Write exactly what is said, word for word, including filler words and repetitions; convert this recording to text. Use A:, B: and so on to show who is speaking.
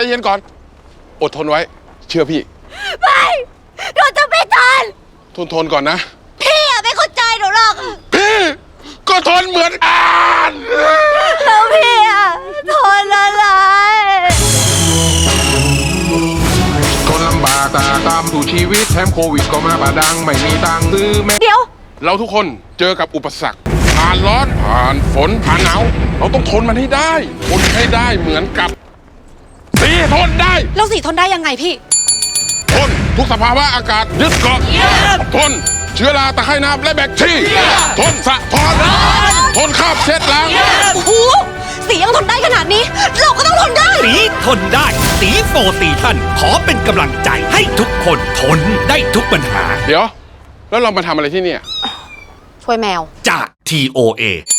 A: เย็นก่อนอดทนไว้เชื่อพี่
B: ไม่หนูจะไม่ทน
A: ทนทนก่อนนะ
B: พี่อะไม่เข้าใจหนูหรอก
A: พี่ก็ทนเหมือนกัน
B: แล้วพี่อะทนอะไร
A: ทนลำบากตาตามสู่ชีวิตแถมโควิดก็มาบาดังไม่มีตังค์ซื้อแม่
B: เดี๋ยว
A: เราทุกคนเจอกับอุปสรรคผ่านร้อนผ่านฝนผ่านหนาวเราต้องทนมันให้ได้ทนให้ได้เหมือนกับสีทนได้
B: แล้วสีทนได้ยังไงพี่
A: ทนทุกสภาวะอากาศยึดเกาะทนเชื้อราตะไคร่น้ำและแบคทีเรียทนสะท้อนทนคราบเช็ดล้าง
B: โอ้โหสียังทนได้ขนาดนี้เราก็ต้องทนได้
C: สีทนได้สีโฟร์ซีซั่นขอเป็นกำลังใจให้ทุกคนทนได้ทุกปัญหา
A: เดี๋ยวแล้วเรามาทำอะไรที่นี่
B: ช่วยแมว
C: จาก ที โอ เอ